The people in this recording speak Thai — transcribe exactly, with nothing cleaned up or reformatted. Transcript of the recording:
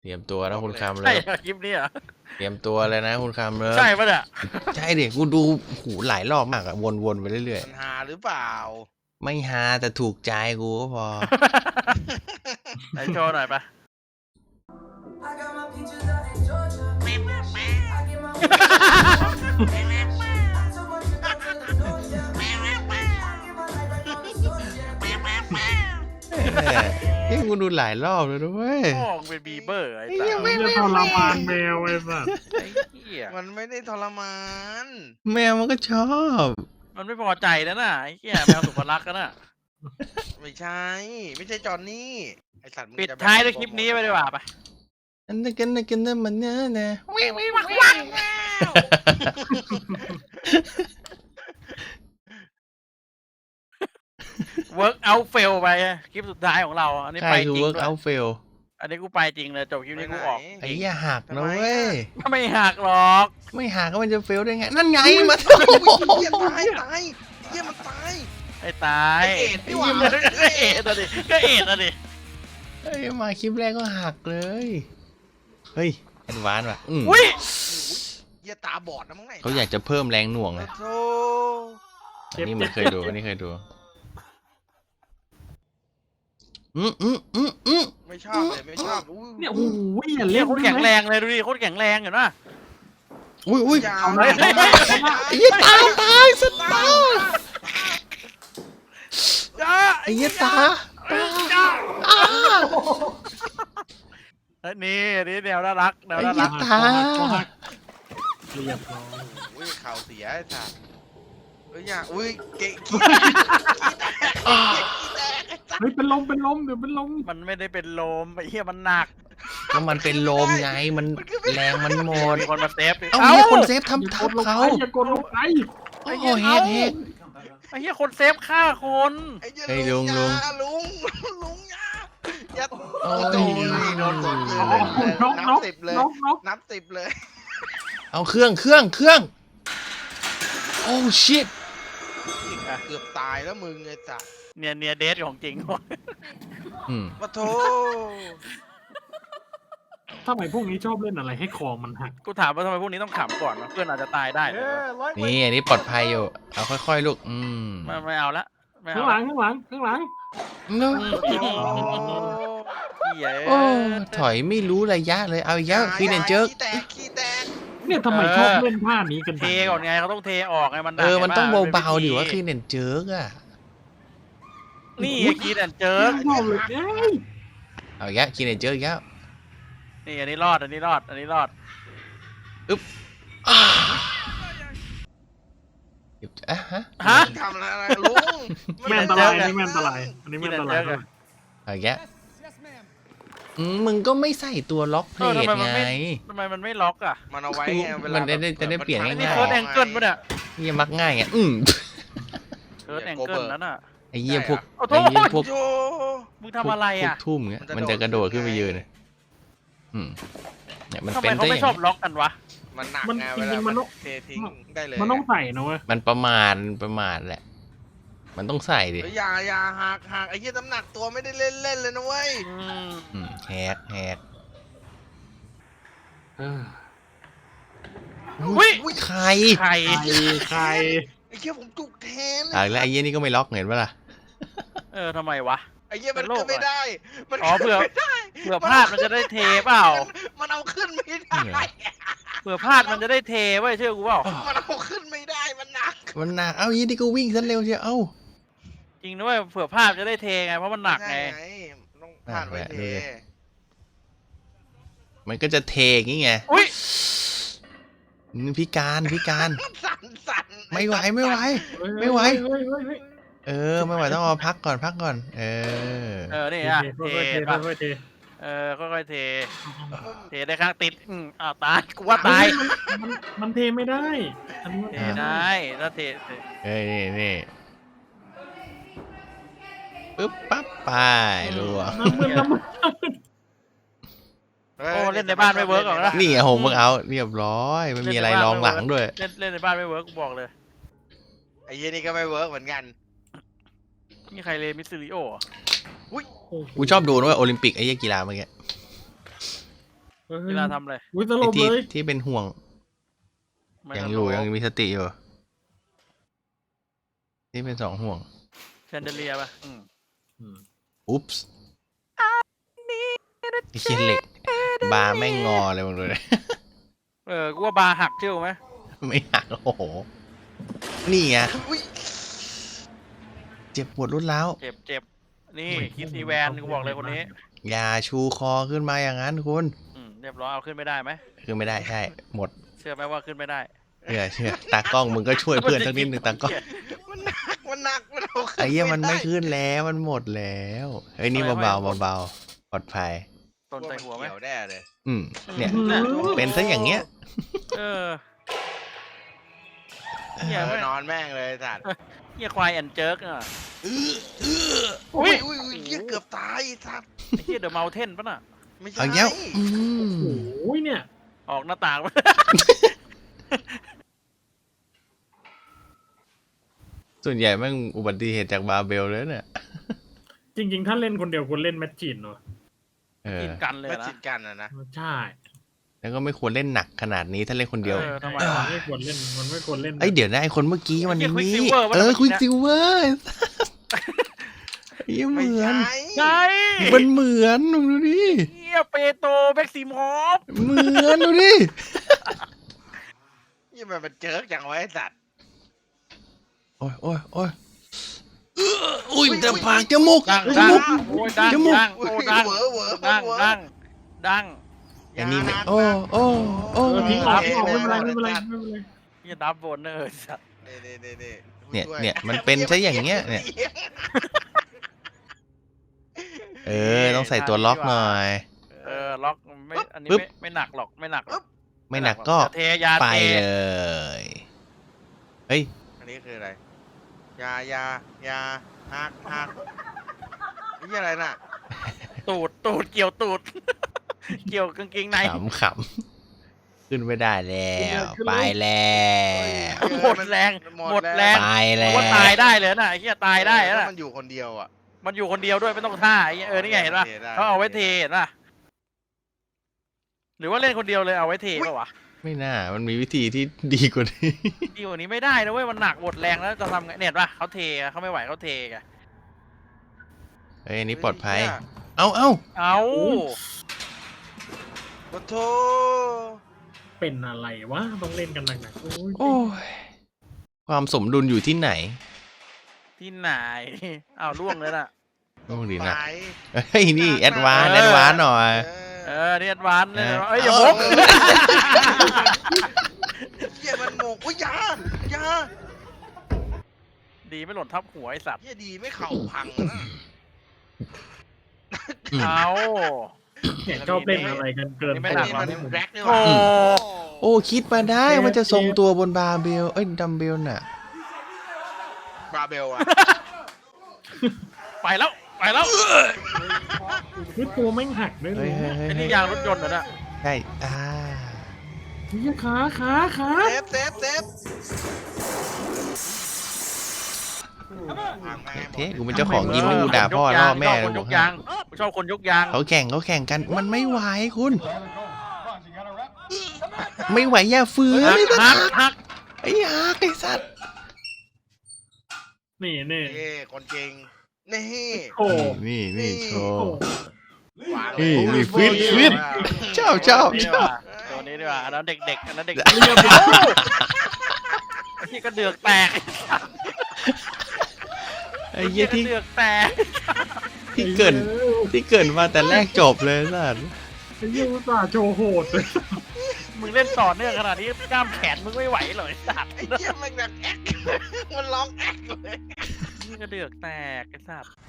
เตรียมตัวนะคุณคำเลใช่ยคลิปนี้เหรอเตรียมตัวเลยนะคุณคำเลยใช่ปะเนี่ยใช่เด็กกูดูหูหลายรอบมากอะวนๆไปเรื่อยมันหาหรือเปล่าๆไม่ฮาแต่ถูกใจกูก็พอไหนโชว์หน่อยปะนี่กูดูหลายรอบเลยด้วยพ่อมึงเป็นบีเบอร์ไอ้ไอ้สัเหี้ยสไม่จะทรมานแมวไอ้สัสไอ้เหี้ยมันไม่ได้ทรมานแมวมันก็ชอบมันไม่พอใจแล้วน่ะไอ้เหี้ยแมวสุภลักษณ์กันน่ะไม่ใช่ ไม่ใช่จอนนี่ไอสัตว์มึงปิดจะแบบท้ายด้วยคลิปนี้ไปดีกว่าปะอันนั้นกันนะกันนะมันเนื้อนะเวิร์กเอาเฟลไปคลิปสุดท้ายของเราอันนี้ใครไปคือจริง work ด้วย out fail อันนี้กูไปจริงเลยจบคลิปนี้กูออกไอ้เหี้ยหักนะเว้ยไม่หักหรอกไม่หักก็มันจะ fail ได้ไง นั่นไงมาเฮียตายตายเฮียมันตายไอ้ตายไอ้เอ็ดนี่หว่าก็เอ็ดอะดิก็เอ็ดอะดิเฮ้ยมาคลิปแรกก็หักเลย เฮ้ยแอดวานซ์ว่ะอืมอุ้ยเฮียตาบอดนะมั้งไงเขาอยากจะเพิ่มแรงหน่วงไงโธ่อันนี้มันเคยดูอันนี้เคยดู อืมอืมอืมอืมไม่ชอบเลยไม่ชอบอุ้เนี่ยโอ้โหอย่าเรีเล่ยนกโคตรแข็งแรงเลยดูดิโคตรแข็งแรงเห็นปะอุ้ยอุ้ยยาเอาวหน้าเฮ้ยเฮ้ยเฮ้ยไอ้เหี้ยตาตายสตาร์จ้าไอ้เหี้ยตาตาอ้าเฮ้ยนี่นี่แนวน่ารักแนวไอ้น่าเหี้รัยกตาเรียบร้อยอุ้ยเข่าเสียไอ้สัตว์เฮ้ยอย่าอุ้ยเกะขี้อ้าเฮ้ยเป็นลมเป็นลมเดี๋ยวเป็นลมมันไม่ได้เป็นลมไอ้เหี้ยมันหนักก็มันเป็นลมไงมันแรงมันหมดมีคนมาเซฟดิเอ้าเฮียคนเซฟอย่าทำกทัดบลงเขาไปอย่ากดลงไปโอ้โหเฮกเฮกไอ้เหี้ยคนเซฟฆ่าคนไอ้เหี้ยเฮ้ยลุงลุงลุงอย่าลุงลุงอย่าอย่าโอ้ยโดนโดนหมดเลยอ๋อนกนนับกสิบเลยนกนกนับสิบเลยเอาเครื่องเครื่องเครื่องโอ้ชิตเกือบตายแล้วมึงไอ้สัสเนี่ยเนี่ยเดทของจริงอืมปะโถทำไมพวกนี้ชอบเล่นอะไรให้คอมันหักกูถามว่าทำไมพวกนี้ต้องขำก่อนวะเพื่อนอาจจะตายได้นะนี่อันนี้ปลอดภัยอยู่เอาค่อยๆลูกอืมไม่ไม่เอาละไม่ข้าเอางหลัละงข้างหลังข้างหลังเนอะปะโถเหี้ยโอ้ถอยไม่รู้ระยะเลยเอาอีกแล้วคือเนนเจิร์กขี้แตกขี้แตกเนี่ยทำไมชอบเล่นท่านี้กันเทก่อนไงเขาต้องเทออกไงมันเออมันต้องเบาๆดิวะว่าคือเนนเจิร์กอะนี่กีนแอนเจิร์ชอบเลยเอ้ยเอาอีกแล้วคือเนนเจิร์กอีกแล้วนี่อันนี้รอดอันนี้รอดอันนี้รอดอ้าเก็บอ่ะฮะฮะทำอะไรลุงแม่นอันตรายอันนี้แม่นอันตรายอันนี้แม่นอันตรายเอาอีกแล้วอืมมึงก็ไม่ใส่ตัวล็อกเพลเออททำไมมันไงไม่ทำไมมันไม่ล็อกอ่ะมันเอาไว้ไงเวลามันจะได้จะได้เปลี่ยนอันง่ายๆนี้เคิร์ดแองเกิลปะเนี่ยเฮียมักง่ายไงอืมเคิร์ดแองเกิลนั่นน่ะไอ้เหี้ยพวกโอ้โหไอ้เหี้ยพวกโยมึงทำอะไรอ่ะพวกทุ่มเงี้ยมันจะกระโดดขึ้นไปยืนเลยอืมเนี่ยมันทำเป็ไมนเขาได้อไม่ย่างชอบนี้ล็อกกันวะมันหนักมันไงจเวริลางๆมันมันต้องเททิ้งได้เลยมันต้องใส่นะเว้ยมันประมาณประมาณแหละ มันต้องใส่ดิเฮ้ยอย่าอย่าหักหักไอ้เหี้ยน้ำหนักตัวไม่ได้เล่นเล่นเลยนะเว้ยอืมอืมแฮกแฮกเอออุ้ยอุ้ยใครใครใครใครไอ้เหี้ยผมจุกแทนอ่ะแล้วไอ้เหี้ยนี่ก็ไม่ล็อกเห็นปะล่ะเออทำไมวะไอ้เหี้ยมันเป็นโรคขึ้นไม่ได้ มันอ๋อเผื่อขึ้นไม่ได้เผื่อพลาดมันจะได้เทเปล่ามันเอาขึ้นไม่ได้เผื่อพลาดมันจะได้เทไว้ยเชื่อกูเปล่ามันเอาขึ้นไม่ได้มันหนักมันหนักเอ้ายี่นี่ก็วิ่งซะเร็วเชียวเอ้าจริงด้วยเผื่อพลาดจะได้เทไงเพราะมันหนักไงใช่ต้องผ่านไว้เทมันก็จะเทอย่างงี้ไงอุ้ยอืมพิการพิการสั่นสั่นไม่ไหวไม่ไหว ไม่ไหวเฮ้ยเฮ้ยเฮ้ยเออไม่ไหวต้องเอาพักก่อนพักก่อน เออเออนี่อ่ะเทค่อยๆเทป่ะค่อยๆเทเออค่อยๆเท เทได้ข้างติดอืมอ้าวตายกูว่าตายมันมันเทไม่ได้อันนี้มันเทได้ถ้าเทเทเอ้ยนี่นี่ปึ๊บปั๊บไปรัวน้ำมันน้ำมันโอ้เล่นในบ้านไม่เวิร์กหรอกนะนี่ไงโฮมเวิร์กเอาท์เรียบร้อยไม่มีอะไรรองหลังด้วยเล่นเล่นในบ้านไม่เวิร์กกูบอกเลยไอ้เหี้ยนี่ก็ไม่เวิร์กเหมือนกันนี่ใครเลมิสซิลิโออุ้ยกูชอบดูนะเว่าโอลิมปิกไอ้เหี้ยกีฬาเมื่อกี้เฮ้ยเวลาทำเลยอุ้ยสลไอ้บที่เลยที่เป็นห่วงไม่ยังต้อยู่รู้ยังมีสติอยู่ที่เป็นสองห่วงแชนเดเลียป่ะอืมอืมอุ๊ปส์ไอ้เคียเหล็ก บาร์แม่งงอเลยมึงดูเลยเออกูว่าบาร์หักเชื่อไหมไม่หักโอ้โห นี่ไงอุ้ยเจ็บปวดรุนแร้าวเจ็บเจ็บนี่คิดอีแวนกูบอกเลยคนนี้อย่าชูคอขึ้นมาอย่างนั้นคุณอืมเรียบร้อยเอาขึ้นไม่ได้ไหมคือไม่ได้ใช่ หมดเชื่อไหมว่าขึ้นไม่ได้เชื่อเชื่อตากล้องมึงก็ช่วยเพื่อนสักนิดหนึ่งตากล้องมันหนักมันหนักมันเอาขึ้นไอ้เหี้ยมันไม่ด้ขึ้นแล้วมันหมดแล้วเฮ้ยนี่ทำไมเบาไม่ๆเบาๆปลอดภัยต้นใส่หัวไหมเกี่ยวแน่เลยอืมเนี่ยอืมเป็นซะอย่างเงี้ยเออเฮียเออไม่นอนแม่งเลยสัตว์เฮียควายแอนเจิร์กอ่ะอุ้ยอุ้ยอุ้ยเหี้ยเกือบตายไอ้สัตว์ไอ้เฮียเดอะเมลเทนป่ะน่ะไม่ใช่เอาเงี้ยอืมโอ้ยเนี่ยออกหน้าต่างส่วนใหญ่แม่งอุบัติเหตุจากบาร์เบลเลยเนี่ยจริง ๆ ถ้าเล่นคนเดียวควรเล่นแมทชินเนาะเออกินกันเลยไม่นะจิตกันอะนะใช่แล้วก็ไม่ควรเล่นหนักขนาดนี้ถ้าเล่นคนเดียวเออทำไมมันวะไม่ควรเล่นมันไม่ควรเล่นเอ้ยเดี๋ยวนะไอคนเมื่อกี้มันไอ้นี่เหี้ย Quicksilver วะเออเมื่อกี้ควิกนะซิลเวอร์ยังเหไม่มือนใช่ใช่มันเหมือนมึงดูดิเฮียเปโตรแบ็กซิมอฟเหมือนดูดิยี่มันเป็นเจิร์กจังไวะไอ้สัตว์โอ้ยโอ้ยโอ้ยอุ้ยแต่ปากจมูกดังจดังมูกโอ้ยดังจมูกดังอุ้โอ้ยดังเหวอเหวอดังเหวอดังดังไอ้นี่ไม่ยานานโอ้โอ้โอ้เออทิ้งออกโอเคทิ้งออกไม่เป็นไรเลยไม่เป็นไรสัตว์ไม่เป็นไรเฮียดับโบนเนอร์สัตว์นี่นี่นี่นี่เนี่ยช่วเนี่ยมันเป็นซะอย่างเงี้ยเนี่ย เออต้องใส่ตัวล็อกหน่อยเออล็อกไม่อันนี้ปึ๊บไม่ไม่หนักหรอกไม่หนักหรอกไม่หนักก็เทยาไปเทเลยเฮ้ยอันนี้คืออะไรยายายาฮักฮักนี่อะไรน่ะตูดตูดเกี่ยวตูด เกี่ยวกางเกงในขำขำขึ้นไม่ได้แล้ว ไปแล้วหมดแรงหมดแรงไปแล้ว่าว ตายได้เลยนะไอ้เหี้ยตายได้แล้นะวมันอยู่คนเดียวอ่ะมันอยู่คนเดียวด้วยไม่ต้องท่าไอ้เหี้ยเออนี่ไงเห็นป่ะเทได้เขาเอาไว้เทเห็นป่ะหรือว่าเล่นคนเดียวเลยเอาไว้เทป่ะวะไม่น่ามันมีวิธีที่ดีกว่านี้ดีกว่านี้ไม่ได้นะเว้ยมันหนักหมดแรงแล้วจะทำไงเนี่ยเห็นป่ะเขาเทอะเขาไม่ไหวเขาเทกันเฮ้ยอันนี้ปลอดภัย เอาเอาเอาโอ้โถเป็นอะไรวะต้องเล่นกันหนักๆโอ้ยโอ้ยความสมดุลอยู่ที่ไหนที่ไหนเอาล่วงเลยน่ะโอ้ดีไปนะเฮ้ยนี่แอดวานเออแอดวานหน่อยเออเรียนวันเลยเออเอ้ยอย่าเอมุอกเหี้ยมันโมกอุ้ยยายาดีไม่หล่นทับหัวไอสัตว์เหี้ยดีไม่เข่าพังนะอืมเอาเนี่ยชอบเล่นอะไรกันเกินนี่ไปไม่อันหนักนี้หรอกมันแร็กนี่หโอ้ว่าโอ้คิดมาได้มันจะทรงตัวบนบาร์เบลเอ้ยดัมเบลน่ะบราเบลอะไปแล้วไปแล้วคือตัวแม่งหักด้วยเฮ้ยเฮ้ยเฮ้ยไอ้นี่เฮ้ยยางรถยนต์เหรอเนี่ยใช่อ่าเฮ้ยขาขาขาเซฟเซฟเซฟพังแม่งหมดเฮ้ยกูเป็นเจ้าของยิมนี่กูด่าพ่อล่อแม่ชเลอบยคนบยอกกให้ยางกูชอบคนยกยางเขาแข่งเขาแข่งกันมันไม่ไหวคุณ ไม่ไหวอย่าฝืนหักไอ้สัหักตว์หักไอ้ฮักไอ้สัตว์นี่นี่เอ้คนเก่งนี่โอ้นี่นี่โชโหว์วางนี่เลยนี่ฟิตฟิต ชอบชอบนี่ชดีอก บว่าตัวนี้ดีกว่าอันนั้นเด็กๆอันนั้นเด็กเรียบร้ๆที่กระเดือกแตกไอ้เหี้ยที่ที่กระเดือกแตกที่เกินที่เกินมาแต่แรกจบเลยสัตว์ไอ้เหี้ยอุตส่าห์โชว์โหดเลยมึงเล่นต่อเนื่องขนาดนี้กล้ามแขนมึงไม่ไหวเลยสัตว์ไอ้เหี้ยมันแบบแอ๊กมันร้องแอ๊กเลยนี่กระเดือกแตกไอ้สัตว์